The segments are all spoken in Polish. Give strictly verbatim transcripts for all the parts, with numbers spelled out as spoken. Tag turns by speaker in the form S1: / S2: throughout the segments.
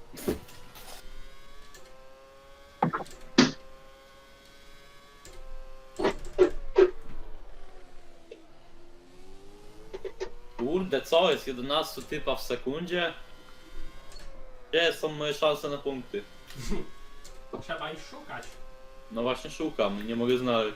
S1: Kurde, co jest? jedenaście typa w sekundzie? Gdzie są moje szanse na punkty?
S2: Trzeba ich szukać.
S1: No właśnie szukam, nie mogę znaleźć.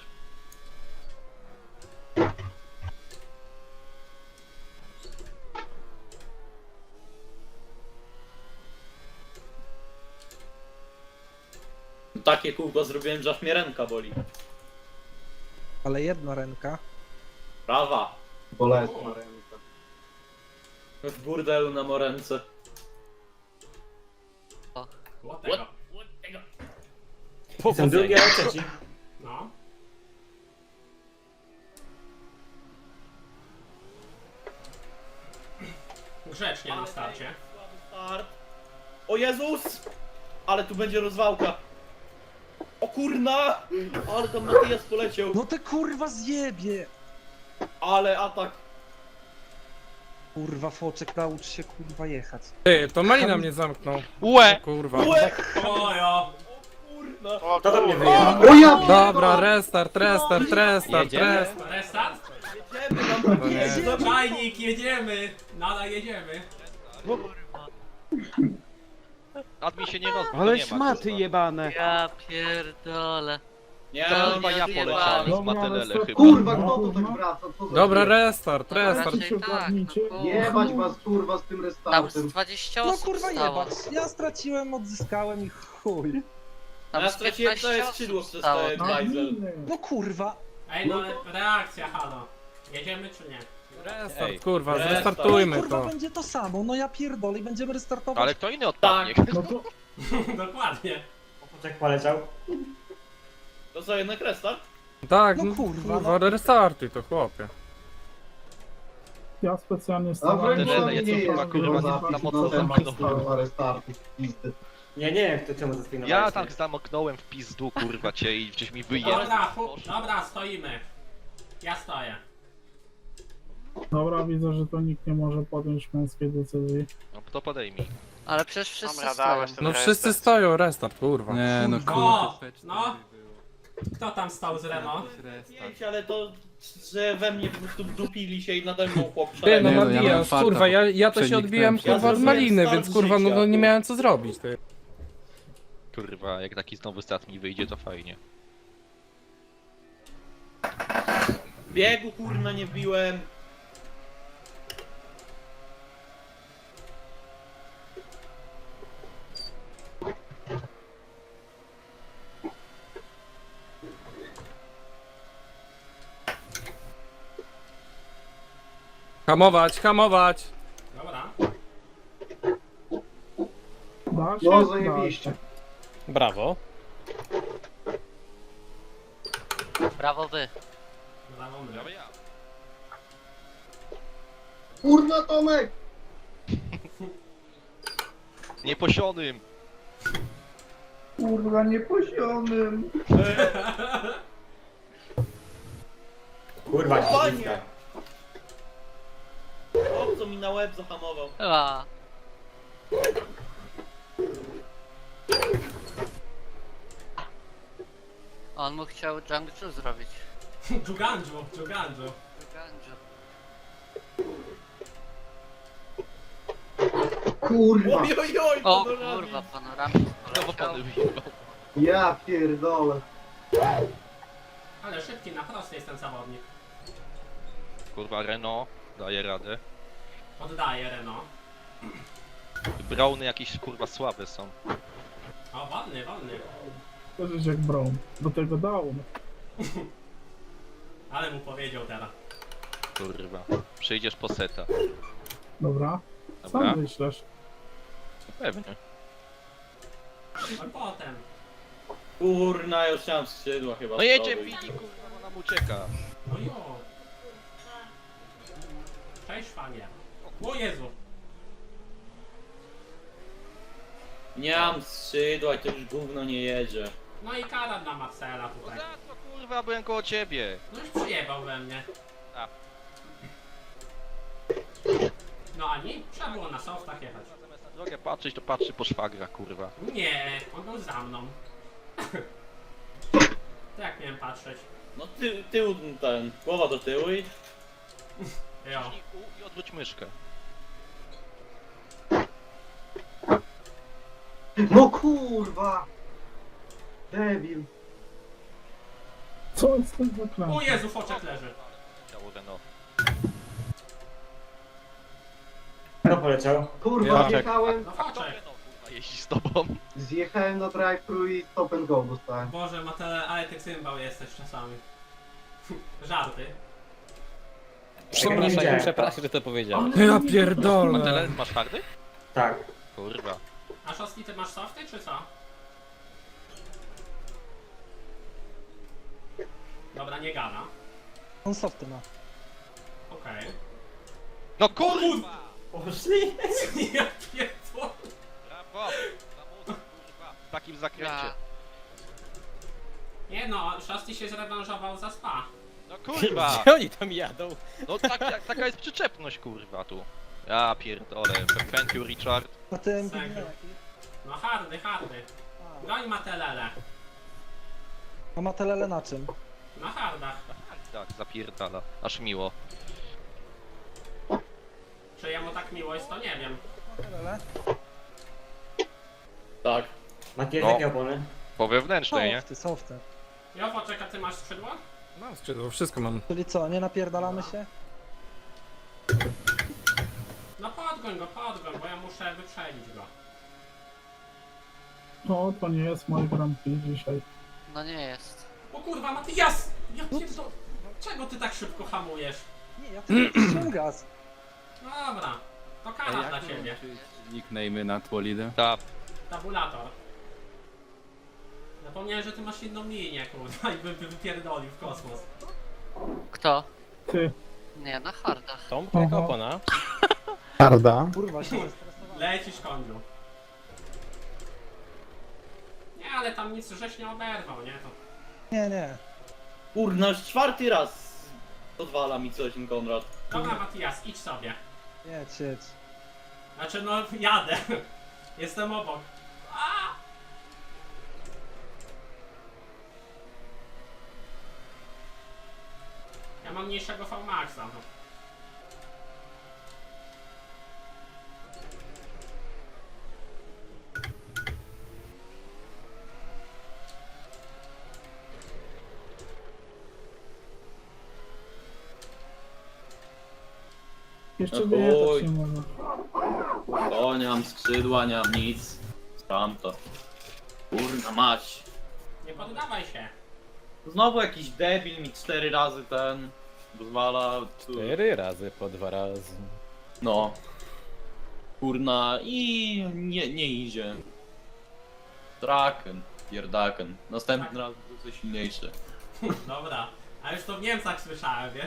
S1: Takie kółko zrobiłem, że aż mnie ręka boli.
S3: Ale jedna ręka.
S1: Prawa.
S4: Bolesna ręka.
S1: W burdelu na moręce.
S2: Łotego.
S5: Są drugie ręce ci.
S2: No. Grzecznie na starcie.
S1: Słaby start. O Jezus! Ale tu będzie rozwałka. O kurna! Ale tam Matijas poleciał.
S3: No te kurwa zjebie!
S1: Ale atak.
S3: Kurwa foczek, naucz się kurwa jechać.
S6: Ty, to Malina mnie zamknął.
S7: Łe!
S6: Kurwa.
S1: Łe!
S2: Ojo!
S1: Kurna.
S7: O,
S5: Kto do mnie
S7: kurwa.
S5: wyjechał?
S4: O ja
S6: Dobra, restart, restart, restart,
S7: Jedziemy?
S6: restart.
S2: Restart?
S1: Jedziemy tam
S6: To nie.
S2: Czajnik, jedziemy! Nadal jedziemy.
S7: Admin się nie roz...
S8: Ale
S7: nie ma,
S8: szmaty
S7: kurwa.
S8: jebane.
S9: Ja pierdolę.
S1: Nie,
S7: To
S1: no,
S7: chyba ja
S9: nie
S7: poleciałem z
S10: Dobra,
S7: Matelele
S10: ale
S7: chyba.
S4: kurwa, kto tu tak wraca? Co za
S6: Dobra,
S4: śmiech?
S6: restart, restart.
S9: Raczej tak, no
S4: Jebać
S9: kurwa.
S4: was kurwa z tym
S9: Tam
S4: restartem.
S9: z dwadzieścia
S3: No
S9: osób
S3: kurwa
S9: stało.
S3: jebać. Ja straciłem, odzyskałem i chuj.
S9: Tam
S1: ja
S9: z
S1: straciłem całe
S9: piętnaście
S1: skrzydło
S9: osób
S1: przez
S9: stało.
S1: ten bajzel.
S3: No kurwa.
S2: Ej, no ale reakcja, halo. Jedziemy czy nie?
S6: Restart,
S7: Ej.
S6: kurwa,
S1: Restart.
S6: zrestartujmy
S3: Kurwa
S6: to.
S3: będzie to samo, no ja pierdolę i będziemy restartować.
S7: Ale kto inny odpadnie?
S10: No to
S2: Dokładnie.
S5: Poczek poleciał.
S1: To co, jednak restart?
S6: Tak,
S3: No
S6: no
S3: kurwa,
S6: kurwa, restartuj to, chłopie.
S10: ja specjalnie
S4: A
S10: stałem.
S4: wręcz
S7: Tyle,
S4: nie
S7: jest
S4: jest
S7: chyba, kurwa,
S4: kurwa
S7: na
S4: zapis
S7: mocno
S4: na temat
S7: zamknął.
S4: stałego restartu. Pizdy.
S5: Nie, nie wiem kto czemu zespinowałeś.
S7: Ja tak zamknąłem w pizdu, kurwa cię i gdzieś mi wyjechał.
S2: Dobra, fu, dobra, stoimy. Ja stoję.
S10: Dobra, widzę, że to nikt nie może podjąć męskiej decyzji.
S7: No to podejmij.
S9: Ale przecież wszyscy
S7: Dobra,
S9: stoją.
S7: dałeś ten
S6: No wszyscy stoją, restart, kurwa.
S8: Nie no
S2: O! No! Kto tam stał z Renault?
S1: Pięć, ale to, że we mnie po prostu dupili się i nade mną chłop
S6: Ty, no
S1: szalenie.
S8: no, ja miałem
S6: Matijas,
S8: farta,
S6: kurwa, ja, ja to się
S8: przeniknąłem
S6: odbiłem,
S8: się.
S6: kurwa, od
S1: zrobiłem
S6: Maliny,
S1: start
S6: więc kurwa, no,
S1: życia,
S6: no nie
S1: tu.
S6: miałem co zrobić, ty.
S7: Kurwa, jak taki znowu stat mi wyjdzie, to fajnie.
S1: Biegu kurna nie wbiłem.
S6: Hamować, hamować!
S2: Dobra.
S10: Da się?
S4: No zajebiście.
S6: Brawo.
S9: Brawo wy.
S2: Brawo my.
S7: Brawo ja.
S4: Kurna Tomek!
S7: Nieposionym!
S4: Kurwa nieposionym.
S5: Kurwa,
S1: Panie!
S5: śliska.
S1: Chłop co mi na łeb zahamował.
S9: A. On mu chciał Jiangsu zrobić.
S2: Dżuganżu, dżuganżu.
S9: Jiangsu.
S4: Kurwa.
S1: Oj, oj, oj,
S9: O
S1: panorami.
S9: kurwa, panoramik
S7: Znowu
S9: poleciał.
S7: pany wyjebał.
S4: Ja pierdolę.
S2: Ale szybki, na prosty jest ten zawodnik.
S7: Kurwa, Renault daje radę.
S2: Oddaję Renault.
S7: Browny jakieś kurwa słabe są.
S2: O, wolny, wolny.
S10: To jest jak Brown. Do tego down.
S2: Ale mu powiedział teraz.
S7: Kurwa. Przyjdziesz po seta.
S10: Dobra.
S7: Dobra?
S10: Sam myślisz.
S7: Pewnie.
S2: A potem.
S1: Kurna, już chciałem skrzydła chyba.
S7: No jedzie
S1: zdobyć.
S7: Pili, kurwa, bo nam ucieka.
S2: No jo. Cześć panie. O Jezu.
S1: Nie mam skrzydła i to już gówno nie jedzie.
S2: No i kara dla Marcela
S7: No
S2: tutaj.
S7: za co kurwa, byłem koło ciebie.
S2: No już przyjebał we mnie.
S7: A.
S2: No ani? Trzeba było na softach jechać.
S7: Zamiast na Drogę patrzeć, to patrzy po szwagra, kurwa.
S2: Nie, on był za mną. To jak miałem patrzeć?
S1: No ty, tył ten, głowa do tyłu i...
S2: Jo.
S7: I, u- i odwróć myszkę.
S4: No kurwa! Debil.
S10: Co jest ten
S2: O
S10: zaklęty?
S2: Jezu, foczek leży.
S7: Ciało Renault.
S5: Kto poleciał?
S4: Kurwa,
S6: Ja.
S4: zjechałem,
S2: No
S7: Kto
S2: foczek.
S7: Renault, kurwa, jeździ z tobą?
S4: zjechałem na drive-thru i stop and go dostałem.
S2: Boże, Matele, ale ty cymbał jesteś czasami. Żarty.
S5: Przepraszam,
S6: Przepraszam, przepraszam, że to powiedziałem.
S10: Ale
S6: Ja
S10: nie
S6: pierdolę.
S7: Tyle, masz hardy?
S5: Tak.
S7: Kurwa.
S2: A Szostki, ty masz softy, czy co? Dobra, nie gada.
S3: On softy ma.
S2: Okej.
S7: No kurwa!
S5: Poszli?
S2: Ja pierdolę.
S7: Brawo! Za mocno, kurwa. W takim zakręcie.
S9: Ja.
S2: Nie no, Szosty się zrewanżował za spa.
S7: No kurwa!
S6: Gdzie oni tam jadą?
S7: No tak, jak, taka jest przyczepność, kurwa, tu. Ja pierdolę. Thank you, Richard.
S3: A ty M P
S2: Serio?
S3: jaki?
S2: No hardy, hardy. Goń Matelele.
S3: A ma telele na czym?
S2: Na hardach.
S7: Tak, zapierdala. Aż miło.
S2: Czy jemu tak miło jest, to nie wiem.
S3: Telele?
S1: Tak.
S5: Macie
S7: No.
S5: jakie opony?
S7: Po wewnętrznej, nie?
S3: Softy, softy.
S2: Jo, foczek, a ty masz skrzydło?
S6: Mam skrzydło, wszystko mam.
S3: Czyli co, nie napierdalamy się?
S2: No podgoń go, podgoń, bo ja muszę wyprzedzić go.
S10: No, to nie jest mój Grand Prix dzisiaj.
S9: No nie jest.
S2: O kurwa, Matyjas! Ja pierdolę. Czego ty tak szybko hamujesz?
S3: Nie, ja tylko wciąłem gaz.
S2: No dobra, to kara dla ciebie.
S6: Nickname na Twolidę.
S7: Ta,
S2: Tabulator. Zapomniałem, że ty masz inną linię, kurwa, i by, by wypierdolił w kosmos.
S9: Kto?
S10: Ty.
S9: Nie, na hardach.
S6: Tą jaka
S10: Aha.
S6: opona?
S10: Harda.
S3: Kurwa, się zestresowałem.
S2: Lecisz, koniu. Nie, ale tam nic żeś nie oberwał, nie? To...
S3: Nie, nie.
S1: Kurna, już czwarty raz odwala mi coś ten Konrad.
S2: Dobra, Matijas, idź sobie.
S3: Jedź, jedź.
S2: Znaczy, no, jadę. Jestem obok. A! Ja mam mniejszego V-Maxa. No.
S10: Jeszcze
S1: No
S10: wyjechać
S1: chuj.
S10: nie może.
S1: O, nie mam skrzydła, nie mam nic. Tam to. Kurna mać.
S2: Nie poddawaj się.
S1: Znowu jakiś debil mi cztery razy ten pozwala. tu-
S6: Cztery razy po dwa razy.
S1: No. Kurna i nie, nie idzie. Draken, pierdaken. Następny raz będzie coś silniejszy.
S2: Dobra. A już to w Niemcach słyszałem, wiesz?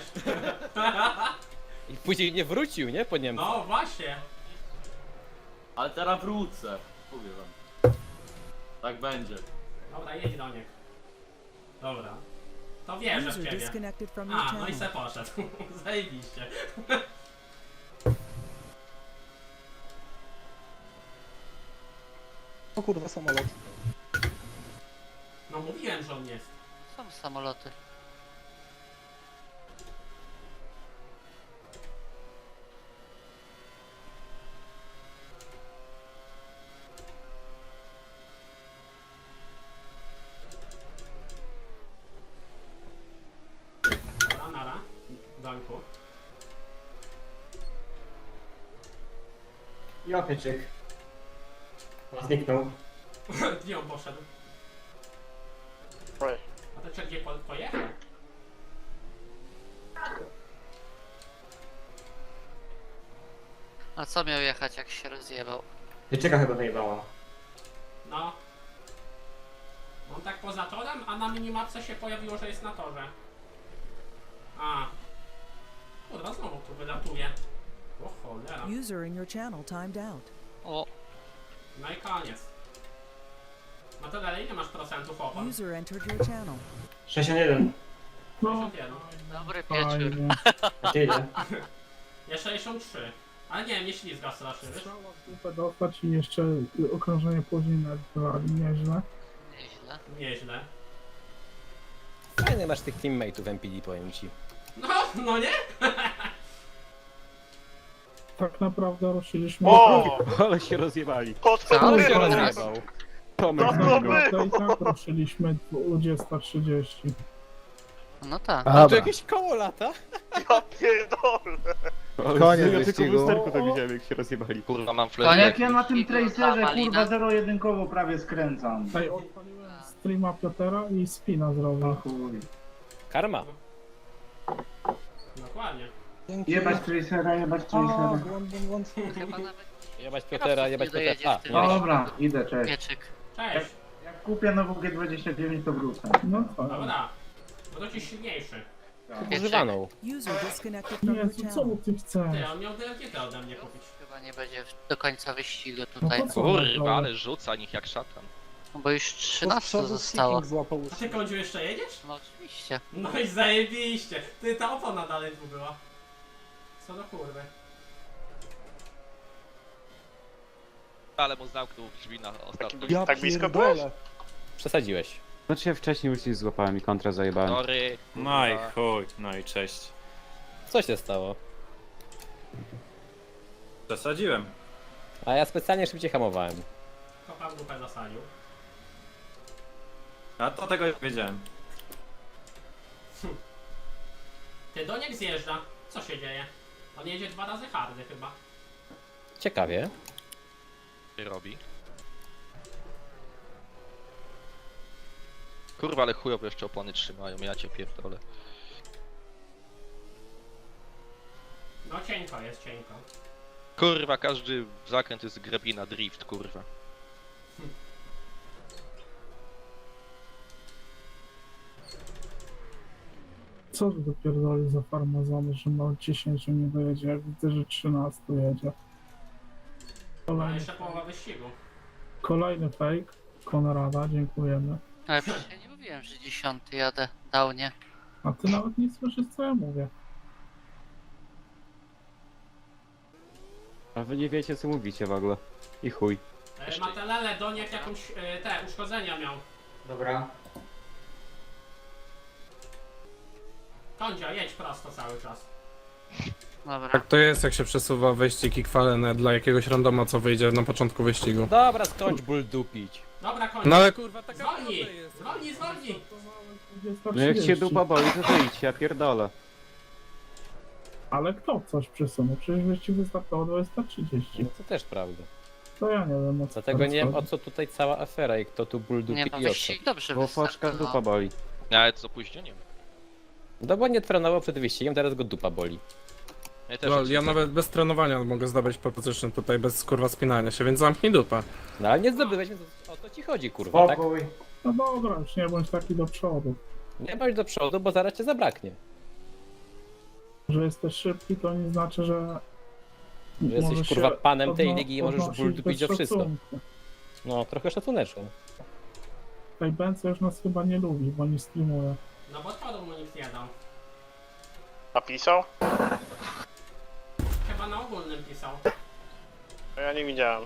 S6: I później nie wrócił, nie? Po Niemcach.
S2: No właśnie.
S1: Ale teraz wrócę. Mówię wam. Tak będzie.
S2: Dobra, jedź do niego. Dobra. To wierzę w
S8: User
S2: ciebie.
S8: disconnected from your
S2: A, no i
S8: channel.
S2: se poszedł. Zajebiście.
S3: O kurwa, samolot.
S2: No mówiłem, że on jest.
S9: Są samoloty.
S2: Dobra, nara. Dońku.
S5: I opieczyk. Zniknął.
S2: Gdzie on poszedł? A to czy gdzie po, pojechał?
S9: A co miał jechać, jak się rozjebał?
S5: Pieczeka chyba wyjebała.
S2: No. On tak poza torem, a na minimapce się pojawiło, że jest na torze. A. Kurwa, znowu tu wylatuje. O cholera.
S8: User in your channel timed out.
S9: O,
S2: No i koniec. No to dalej, ile masz procentów opon?
S8: User entered your channel.
S5: sześćdziesiąt jeden.
S10: No,
S2: sześćdziesiąt jeden.
S9: dobry wieczór.
S10: fajnie.
S5: A ty ile?
S2: Ja sześćdziesiąt trzy. Ale nie, nie ślizga strasznie, wiesz?
S10: Strzała w dupę dostać i jeszcze y, okrążenie później nadwali, nieźle.
S9: Nieźle.
S2: Nieźle.
S6: Fajny masz tych teammateów M P D, powiem ci.
S2: No, no nie?
S10: Tak naprawdę ruszyliśmy...
S11: O!
S6: Ale się rozjebali.
S11: Po co
S6: Ale
S11: ty
S6: się
S11: robisz?
S6: rozjebał.
S11: No
S10: Tak
S11: to my!
S10: naprawdę i tak ruszyliśmy dwadzieścia trzydzieści.
S9: No tak.
S6: A tu jakieś koło lata?
S11: Ja pierdolę!
S3: Koniec
S6: Ja tylko w
S3: wyścigu.
S6: lusterku to widziałem, jak się rozjebali.
S7: Kurwa, mam
S4: A
S7: flashback.
S4: jak ja na tym tracerze
S9: Malina.
S4: kurwa zero jedynkowo prawie skręcam.
S10: Tutaj odpaliłem streama Piotera i spina
S4: No
S10: zrobił.
S4: chuj.
S6: Karma.
S2: Dokładnie.
S3: Dzięki.
S4: Jebać tracera, jebać
S3: O,
S4: tracera.
S3: błąd, błąd, błąd.
S9: Chyba nawet
S6: Jebać Piotera, jebać
S9: nie dojedzie
S6: Piotera.
S9: w tym
S6: A, nie.
S4: Dobra, idę, cześć.
S9: pieczyk.
S2: Cześć.
S4: Jak kupię nową G dwadzieścia dziewięć to wrócę.
S10: No tak.
S2: Dobra. Bo to ci silniejszy.
S6: Używaną.
S8: User disconnected from your
S10: Jezu, co
S8: channel.
S10: ty chcesz?
S2: Ty, on miał D L G T ode mnie kupić.
S9: Chyba nie będzie w- do końca wyścigu
S10: No
S9: tutaj.
S10: to co?
S7: Kurwa, ale rzuca nich jak szatan.
S9: No bo już
S3: Tu z
S9: trzynaście
S3: przodu
S9: zostało.
S3: Seeking złapał
S2: A ty Kądziu jeszcze jedziesz?
S9: No oczywiście.
S2: No i zajebiście. Ty, ta opona dalej tu była. Co do kurwy.
S7: Ale mu zamknął drzwi na ostatni.
S3: Ja
S11: Tak blisko
S3: pierdolę.
S11: byłeś?
S6: Przesadziłeś.
S12: Znaczy ja wcześniej już coś złapałem i kontra zajebałem.
S7: Sorry.
S5: No i
S7: kurwa.
S5: chuj, no i cześć.
S6: Co się stało?
S5: Przesadziłem.
S6: A ja specjalnie szybciej hamowałem.
S2: Kopa w dupę zasadził.
S5: A to tego już wiedziałem.
S2: Ty, Doniek zjeżdża. Co się dzieje? On jedzie dwa razy hardy chyba.
S6: Ciekawie.
S7: Ty robi. Kurwa, ale chujowo jeszcze opony trzymają, ja cię pierdolę.
S2: No cienko jest, cienko.
S7: Kurwa, każdy zakręt jest grabina drift, kurwa.
S10: Co ty dopierdoli za farmazony, że ma dziesięć nie dojedzie, jak widzę, że trzynaście jedzie.
S2: No
S10: Kolejny,
S2: jeszcze połowa wyścigu.
S10: kolejny fake. Konrada, dziękujemy.
S9: Ale przecież ja nie mówiłem, że dziesiąty jadę. Dał nie.
S10: A ty nawet nie słyszysz, co ja mówię.
S12: A wy nie wiecie co mówicie w ogóle. I chuj.
S2: E, Matelele, Doniek jakąś e, te uszkodzenia miał.
S4: Dobra.
S2: Kądzia, jedź prosto cały czas.
S9: Dobra.
S10: Tak to jest, jak się przesuwa wyścig i kwalene dla jakiegoś randoma, co wyjdzie na początku wyścigu.
S6: Dobra, skończ ból dupić.
S2: Dobra, kończ.
S10: No ale kurwa,
S2: Zwolnij! Zwolnij, zwolnij!
S12: No jak się dupa boli, to wyjdź, ja pierdolę.
S10: Ale kto coś przesunął? Przecież wyścig wystartował dwadzieścia trzydzieści.
S6: No to też prawda.
S10: To ja nie wiem, o co
S6: Dlatego
S10: teraz
S6: nie wiem o
S10: chodzi.
S6: co tutaj cała afera i kto tu ból dupi
S9: Nie no,
S6: i o co.
S9: wyścig dobrze
S12: Bo foczka
S9: wystartował.
S12: dupa boli.
S7: Ale z opóźnieniem.
S6: No bo nie trenował przed wyścigiem, teraz go dupa boli.
S7: Ja też
S10: Lol,
S7: jak
S10: ja
S7: zwykle.
S10: nawet bez trenowania mogę zdobyć proposition tutaj, bez kurwa spinania się, więc zamknij dupę.
S6: No ale nie zdobyłeś, więc o to ci chodzi, kurwa, tak?
S4: Spokój.
S10: No dobra, już nie bądź taki do przodu.
S6: Nie bądź do przodu, bo zaraz cię zabraknie.
S10: Że jesteś szybki, to nie znaczy, że...
S6: Że jesteś,
S10: możesz
S6: kurwa,
S10: się
S6: panem tej
S10: podno-
S6: ligi i możesz
S10: podnosić
S6: ból dupić
S10: bez
S6: o wszystko.
S10: szacunku.
S6: No, trochę szacuneczku.
S10: Tej Bence już nas chyba nie lubi, bo nie streamuje.
S2: No bo odpadu mu nikt nie dał.
S11: Napisał?
S2: Chyba na ogólnym pisał.
S11: No ja nie widziałem.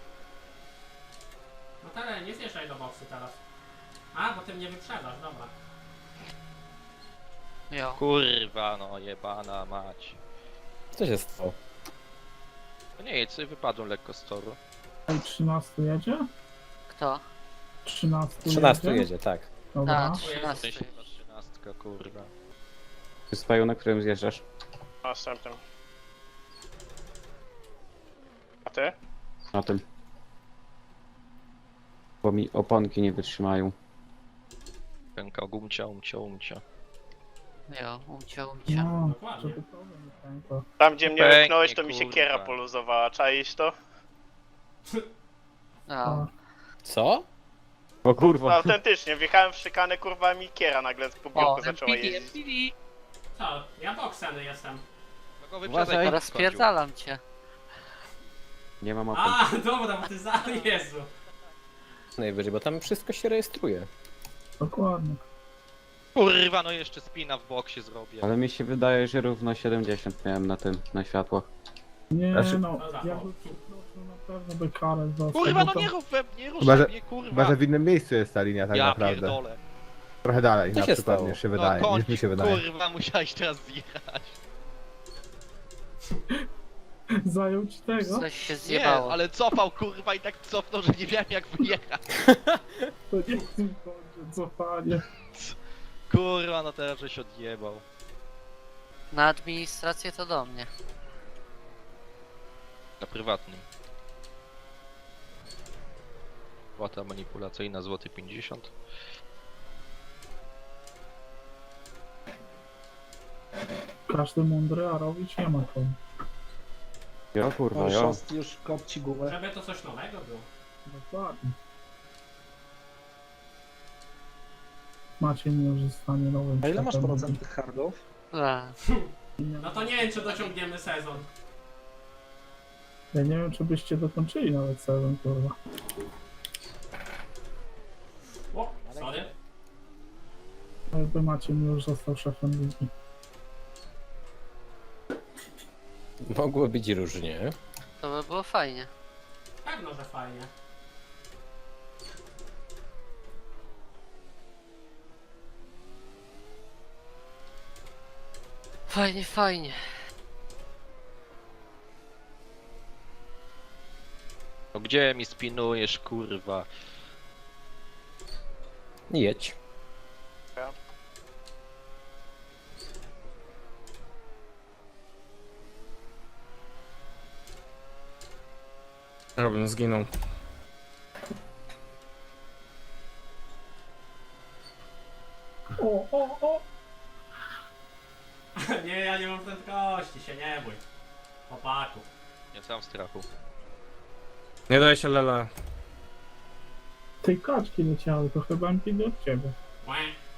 S2: No tyle, nie zjeżdżaj do boksu teraz. A, bo ty mnie wyprzedzasz, dobra.
S9: Jo.
S7: Kurwa, no jebana mać.
S6: Co się stało?
S7: No nie, co wypadłem lekko z toru.
S10: Ej, trzynaście jedzie?
S9: Kto?
S10: trzynaście
S6: trzynaście
S10: jedzie?
S6: jedzie, tak.
S10: Dobra.
S9: Tak,
S7: W sensie
S9: trzynasty.
S7: chyba trzynastka, kurwa.
S12: Ty spaju, na którym zjeżdżasz?
S11: Następnym. A ty?
S12: Na tym. Bo mi oponki nie wytrzymają.
S7: Pęka gumcia, umcia, umcia.
S9: Jo, umcia, umcia.
S10: No,
S2: Dokładnie.
S10: żeby problem nie pękło.
S11: Tam gdzie mnie
S7: Pęknie,
S11: wypchnąłeś, to mi się
S7: kurwa.
S11: kiera poluzowała. Czaisz to?
S9: No.
S6: Co?
S12: O
S11: No,
S12: kurwa.
S11: autentycznie, wjechałem w szykanę, kurwa mi kiera nagle po
S9: O,
S11: biurku zaczęła
S9: M P D,
S11: jeździć.
S9: M P D.
S2: Co? Ja bokseny jestem.
S7: No go
S12: Uważaj.
S7: wyprzedzaj,
S9: Teraz
S7: skończył.
S9: spierdalam cię.
S12: Nie mam opon.
S2: A, dobra, bo ty za... Jezu.
S6: Najwyżej, bo tam wszystko się rejestruje.
S10: Dokładnie.
S7: Kurwa, no jeszcze spina w bok się zrobię.
S12: Ale mi się wydaje, że równo siedemdziesiąt miałem na tym, na światłach.
S10: Nie
S12: Znaczy-
S10: no,
S2: Co za
S10: ja
S2: chłop?
S10: bym przeprosił, na pewno by karę dostał.
S7: Kurwa,
S10: bo
S7: no
S10: tam-
S7: nie rób we mnie,
S12: Chyba,
S7: ruszaj
S12: że,
S7: mnie, kurwa.
S12: chyba, że w innym miejscu jest ta linia tak
S7: ja
S12: naprawdę.
S7: pierdolę.
S12: Trochę dalej
S6: Co
S12: na
S6: się
S12: przykład
S6: stało?
S12: niż się
S7: No
S12: wydaje,
S7: koń,
S12: niż mi się wydaje.
S7: kurwa, musiałeś teraz zjechać.
S10: Zajął ci tego?
S9: Coś się
S7: Nie,
S9: zjebało.
S7: ale cofał, kurwa, i tak cofnął, że nie wiem jak wyjechać.
S10: To nie w tym końcu, cofanie.
S7: Kurwa, no teraz żeś odjebał.
S9: Na administrację to do mnie.
S7: Na prywatnym. Płata manipulacyjna, złoty pięćdziesiąt.
S10: Każdy mądry, a robić nie ma komu.
S12: Jo kurwa,
S3: O,
S12: jo.
S3: szost już kopci gumę.
S2: Żeby to coś nowego było.
S10: Dokładnie. Macie nie już zostanie nowym
S3: A ile masz
S10: światem.
S3: procent tych hardów?
S9: A,
S2: No to nie wiem, czy dociągniemy sezon.
S10: Ja nie wiem, czy byście dokończyli nawet sezon, kurwa.
S2: O, sorry.
S10: Jakby Maciej mi już został szefem ligi.
S6: Mogło być różnie.
S9: to by było fajnie.
S2: Pewno, że fajnie.
S9: Fajnie, fajnie.
S7: No gdzie mi spinujesz, kurwa?
S6: Jedź.
S5: Robin zginął.
S10: O, o, o!
S2: Nie, ja nie mam prędkości, się nie bój. Chłopaku.
S7: Nie sam strachu.
S5: Nie daj się lele.
S10: Tej kaczki leciały, to chyba M P D od ciebie.
S2: Łe.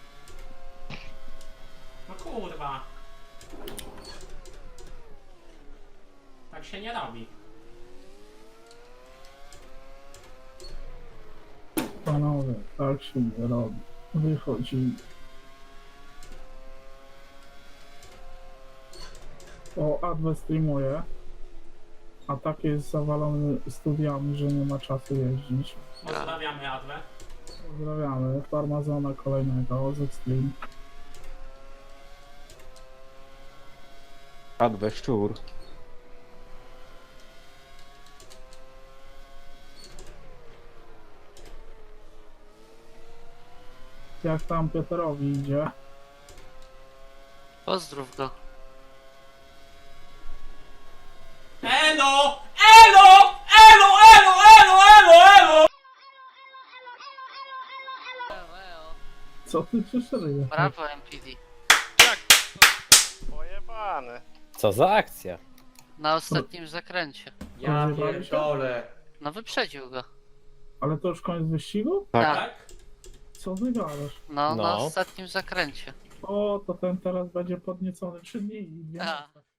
S2: No kurwa. Tak się nie robi.
S10: Panowie, tak się nie robi. Wychodzi. O, Adwe streamuje. A tak jest zawalony studiami, że nie ma czasu jeździć.
S2: Pozdrawiamy Adwę.
S10: Pozdrawiamy. Farmazona kolejnego, ze stream.
S12: Adwe szczur.
S10: Jak tam Piotrowi idzie?
S9: Pozdrów go.
S2: Elo! Elo! Elo! Elo! Elo! Elo! Elo!
S10: Co ty przyszedłeś?
S9: Brawo M P D.
S11: Pojebany.
S6: Co za akcja?
S9: Na ostatnim zakręcie.
S1: Ja
S10: Rozjebali się?
S1: pierdolę.
S9: No wyprzedził go.
S10: Ale to już koniec wyścigu?
S12: Tak.
S2: Tak?
S10: Co ty gadasz?
S9: No, na
S6: No.
S9: ostatnim zakręcie.
S10: O, to ten teraz będzie podniecony trzy dni i dwie
S9: A.
S10: noce.